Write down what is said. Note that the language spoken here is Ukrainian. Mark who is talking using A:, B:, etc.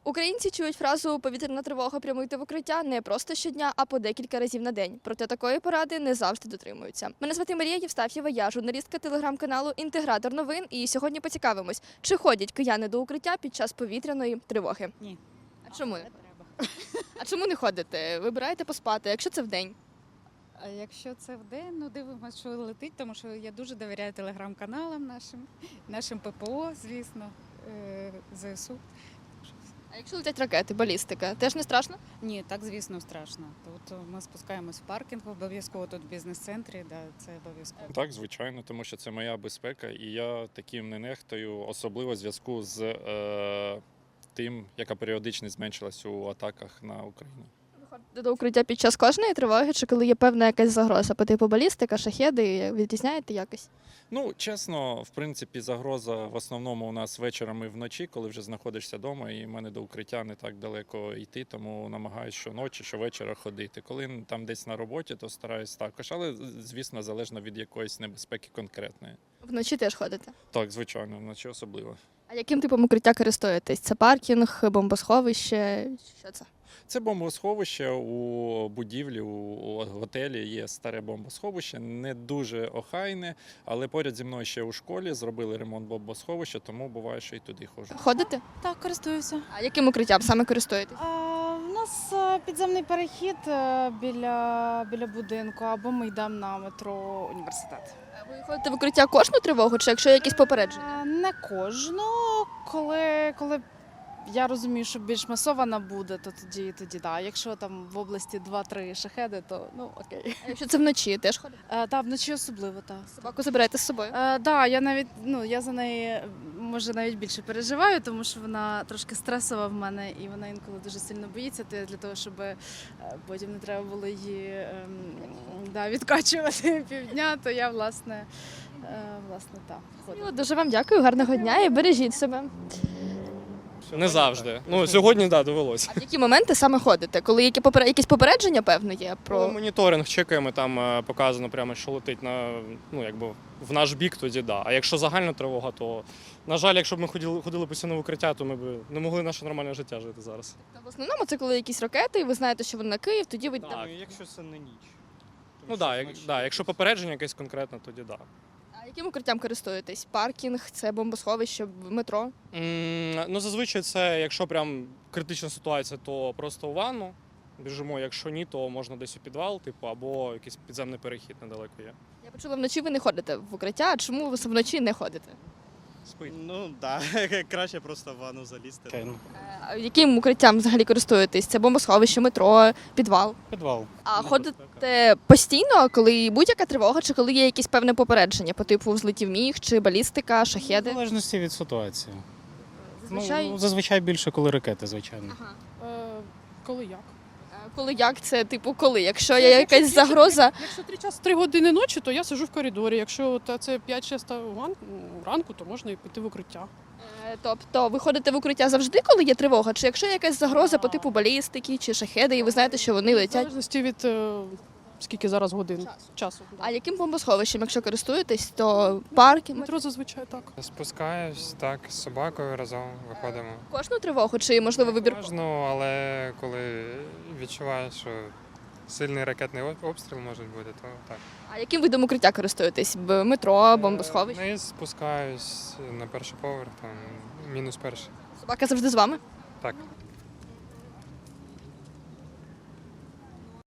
A: Українці чують фразу «повітряна тривога, прямуйте в укриття» не просто щодня, а по декілька разів на день. Проте такої поради не завжди дотримуються. Мене звати Марія Євстаф'єва, я журналістка телеграм-каналу «Інтегратор новин». І сьогодні поцікавимось, чи ходять кияни до укриття під час повітряної тривоги.
B: Ні.
A: А чому не ходите? А чому не ходите? Вибираєте поспати, якщо це вдень?
B: А якщо це вдень, ну дивимося, що летить, тому що я дуже довіряю телеграм-каналам нашим ППО, звісно, ЗСУ.
A: А якщо летять ракети, балістика, теж не страшно?
B: Ні, так, звісно, страшно. Тут ми спускаємось в паркінг, обов'язково тут в бізнес-центрі, да, це обов'язково.
C: Так, звичайно, тому що це моя безпека, і я таким не нехтую, особливо в зв'язку з тим, яка періодичність зменшилась у атаках на Україну.
A: Ви ходите до укриття під час кожної тривоги, чи коли є певна якась загроза по типу балістика, шахеди, відрізняєте якось?
C: Ну, чесно, в принципі, загроза в основному у нас вечором і вночі, коли вже знаходишся вдома, і в мене до укриття не так далеко йти, тому намагаюся щоночі, щовечора ходити. Коли там десь на роботі, то стараюсь також, але, звісно, залежно від якоїсь небезпеки конкретної.
A: Вночі теж ходите?
C: Так, звичайно, вночі особливо.
A: А яким типом укриття користуєтесь? Це паркінг, бомбосховище? Що це?
C: Це бомбосховище у будівлі, у готелі є старе бомбосховище, не дуже охайне, але поряд зі мною ще у школі зробили ремонт бомбосховища, тому буває, що і туди ходжу.
A: Ходите?
D: Так, користуюся.
A: А яким укриттям саме користуєтесь?
D: У нас підземний перехід біля будинку, або ми йдемо на метро університет.
A: Ви ходите в укриття кожну тривогу, чи якщо є якісь попередження?
D: Не кожну, коли я розумію, що більш масована буде, то тоді да. Якщо там в області 2-3 шахеди, то ну окей.
A: А якщо це вночі, теж ходите?
D: Так, вночі особливо, так.
A: Собаку забираєте з собою?
D: Так, я навіть я за неї може навіть більше переживаю, тому що вона трошки стресова в мене і вона інколи дуже сильно боїться. То я для того, щоб потім не треба було її відкачувати півдня, то я власне так ходила.
A: Дуже вам дякую, гарного дня і бережіть себе.
E: Не завжди. Ну, сьогодні, так, довелося.
A: А в які моменти саме ходите? Коли якісь попередження, певно, є
E: Коли
A: про...
E: моніторинг чекаємо, там показано прямо, що летить в наш бік, тоді да. А якщо загальна тривога, то, на жаль, якщо б ми ходили постійно в укриття, то ми б не могли наше нормальне життя жити зараз.
A: В основному це коли якісь ракети, і ви знаєте, що вони на Київ, тоді ви...
E: Так.
F: Якщо це не ніч.
E: Ну так, якщо попередження якесь конкретне, тоді так.
A: А яким укриттям користуєтесь? Паркінг, це бомбосховище, метро?
E: Ну, зазвичай це, якщо прям критична ситуація, то просто у ванну біжимо. Якщо ні, то можна десь у підвал, або якийсь підземний перехід недалеко є.
A: Я почула, вночі ви не ходите в укриття, а чому ви вночі не ходите?
E: Спить.
F: Ну так, краще просто в ванну залізти.
A: А яким укриттям взагалі користуєтесь? Це бомбосховище, метро, підвал?
F: Підвал.
A: А ходите постійно, коли будь-яка тривога, чи коли є якесь певне попередження, по типу взлетів міг, чи балістика,
F: В
A: шахеди?
F: залежності від ситуації.
A: Зазвичай?
F: Ну, зазвичай більше, коли ракети, звичайно.
A: Ага.
G: Коли як?
A: Коли як це, типу, коли? Якщо є якась загроза,
G: Якщо 3 години ночі, то я сиджу в коридорі. Якщо це 5-6 ранку, то можна і піти в укриття.
A: тобто ви ходите в укриття завжди, коли є тривога? Чи якщо є якась загроза по типу балістики чи шахеди, і ви знаєте, що вони
G: В
A: летять?
G: залежності від скільки зараз годин часу.
A: А яким бомбосховищем, якщо користуєтесь, то парки?
G: Метро зазвичай так.
H: Спускаюсь так з собакою разом виходимо.
A: Кожну тривогу, чи можливо вибір?
H: Можна, але коли відчуваєш, що сильний ракетний обстріл може бути, то так.
A: А яким видом укриття користуєтесь? Метро, бомбосховище?
H: Вниз спускаюсь на перший поверх, там мінус перший.
A: Собака завжди з вами?
H: Так.